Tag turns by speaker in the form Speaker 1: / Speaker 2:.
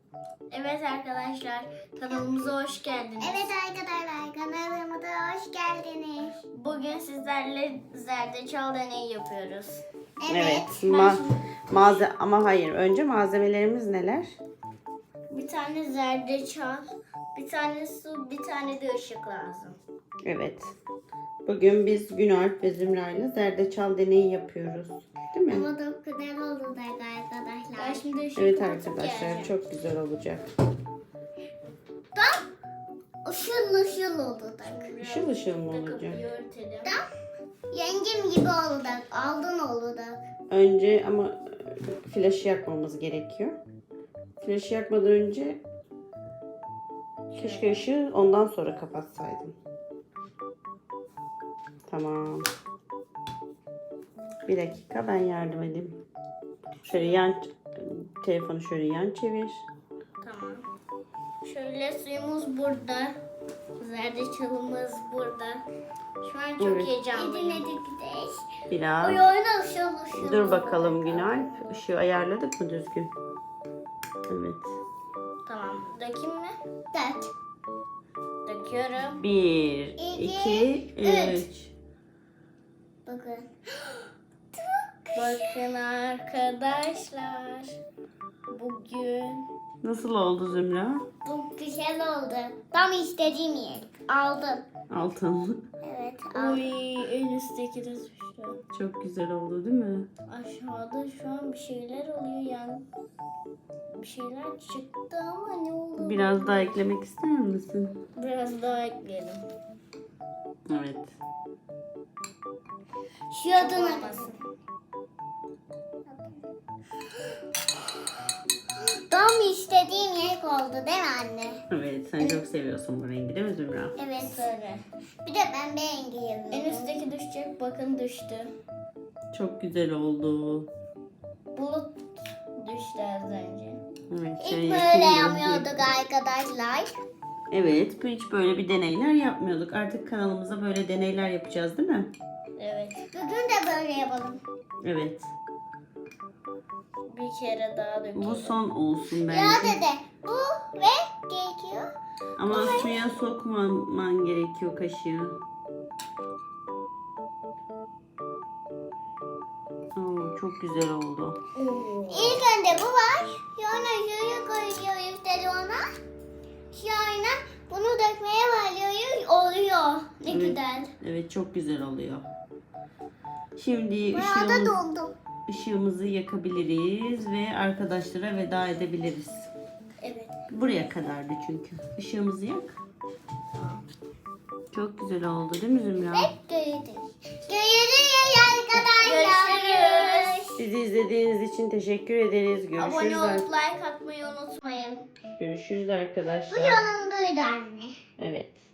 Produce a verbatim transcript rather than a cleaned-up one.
Speaker 1: Evet arkadaşlar, kanalımıza hoş geldiniz.
Speaker 2: Evet arkadaşlar, kanalımıza hoş geldiniz.
Speaker 1: Bugün sizlerle zerdeçal deneyi yapıyoruz.
Speaker 3: Evet.
Speaker 1: Ben
Speaker 3: Ma
Speaker 1: şimdi-
Speaker 3: malze ama hayır. Önce malzemelerimiz neler?
Speaker 1: Bir tane zerdeçal, bir tane su, bir tane de ışık lazım.
Speaker 3: Evet. Bugün biz Günalp ve Zümra ile zerdeçal deneyi yapıyoruz. Değil mi?
Speaker 2: Ama çok güzel olacak
Speaker 1: Ben
Speaker 2: arkadaşlar.
Speaker 1: şimdi ışık
Speaker 3: Evet
Speaker 1: atıp
Speaker 3: arkadaşlar,
Speaker 1: geleceğim.
Speaker 3: çok güzel olacak.
Speaker 2: Tam ışıl ışıl olacak.
Speaker 3: Işıl ışıl mı
Speaker 1: Bir de
Speaker 3: olacak?
Speaker 1: kapıyı örtelim.
Speaker 2: Yengem gibi olacak, aldın olacak.
Speaker 3: Önce ama e, flaşı yakmamız gerekiyor. Flaşı yakmadan önce keşke ışığı ondan sonra kapatsaydım. Tamam. Bir dakika, ben yardım edeyim. Şöyle yan telefonu şöyle yan çevir.
Speaker 1: Tamam. Şöyle suyumuz burada. Zerdeçalımız burada. Şu an çok
Speaker 3: Evet.
Speaker 1: heyecanlıyım.
Speaker 2: Hadi gidelim.
Speaker 3: Biraz.
Speaker 2: Oy oyna ışıl ışıl.
Speaker 3: Dur bakalım Günalp. Işığı ayarladık mı düzgün? Evet.
Speaker 1: Tamam. Dökeyim mi?
Speaker 2: Dört.
Speaker 1: Döküyorum.
Speaker 3: Bir,
Speaker 2: İki,
Speaker 3: iki,
Speaker 2: üç.
Speaker 3: üç.
Speaker 2: Bakın.
Speaker 1: Bakın arkadaşlar. Bugün
Speaker 3: Nasıl oldu Zümra?
Speaker 2: Bu güzel oldu. Tam istediğim yer. Aldım.
Speaker 3: Altın.
Speaker 2: Evet aldım.
Speaker 1: Uy, en üstteki de düştü.
Speaker 3: Çok güzel oldu değil mi?
Speaker 1: Aşağıda şu an bir şeyler oluyor yani. Bir şeyler çıktı ama ne oldu?
Speaker 3: Biraz daha eklemek ister misin?
Speaker 1: Biraz daha ekleyelim.
Speaker 3: Evet.
Speaker 2: Şu adına
Speaker 1: Olmasın.
Speaker 2: Tam istediğim yer oldu değil mi anne?
Speaker 3: Evet, sen çok seviyorsun bu rengi değil mi Zümra?
Speaker 2: Evet.
Speaker 1: Sarı.
Speaker 2: Bir de ben rengi yapıyorum.
Speaker 1: En üstteki düşecek. Bakın düştü.
Speaker 3: Çok güzel oldu.
Speaker 1: Bulut düştü az önce.
Speaker 3: Evet,
Speaker 2: İlk
Speaker 3: şöyle
Speaker 2: böyle
Speaker 3: yakayım
Speaker 2: yapıyorduk
Speaker 3: biraz.
Speaker 2: arkadaşlar.
Speaker 3: Evet, hiç böyle bir deneyler yapmıyorduk. Artık kanalımıza böyle deneyler yapacağız değil mi?
Speaker 1: Evet.
Speaker 2: Bugün de böyle yapalım.
Speaker 3: Evet.
Speaker 1: Bir kere daha dökelim.
Speaker 3: Bu son olsun
Speaker 2: Ya
Speaker 3: bence.
Speaker 2: dede bu ve gerekiyor.
Speaker 3: Ama suya sokmaman gerekiyor kaşığı. Oo, çok güzel oldu.
Speaker 1: Oo.
Speaker 2: İlk önce bu var. Sonra şöyle koyuyoruz televizyona. Sonra bunu dökmeye başlıyoruz. Oluyor. Ne
Speaker 3: Evet.
Speaker 2: güzel.
Speaker 3: Evet, çok güzel oluyor. Şimdi
Speaker 2: Bayağı da
Speaker 3: ışığımız,
Speaker 2: doldum.
Speaker 3: ışığımızı yakabiliriz ve arkadaşlara veda edebiliriz.
Speaker 1: Evet.
Speaker 3: Buraya kadardı çünkü. Işığımızı yak. Çok güzel oldu değil mi Zümra?
Speaker 2: Görüşürüz. Görüşürüz arkadaşlar.
Speaker 1: Görüşürüz.
Speaker 3: Bizi izlediğiniz için teşekkür ederiz.
Speaker 1: Abone
Speaker 3: Görüşürüz. ar-
Speaker 1: olup like atmayı unutmayın.
Speaker 3: Görüşürüz
Speaker 2: Bu
Speaker 3: arkadaşlar.
Speaker 2: yanımdaydı anne.
Speaker 3: Evet.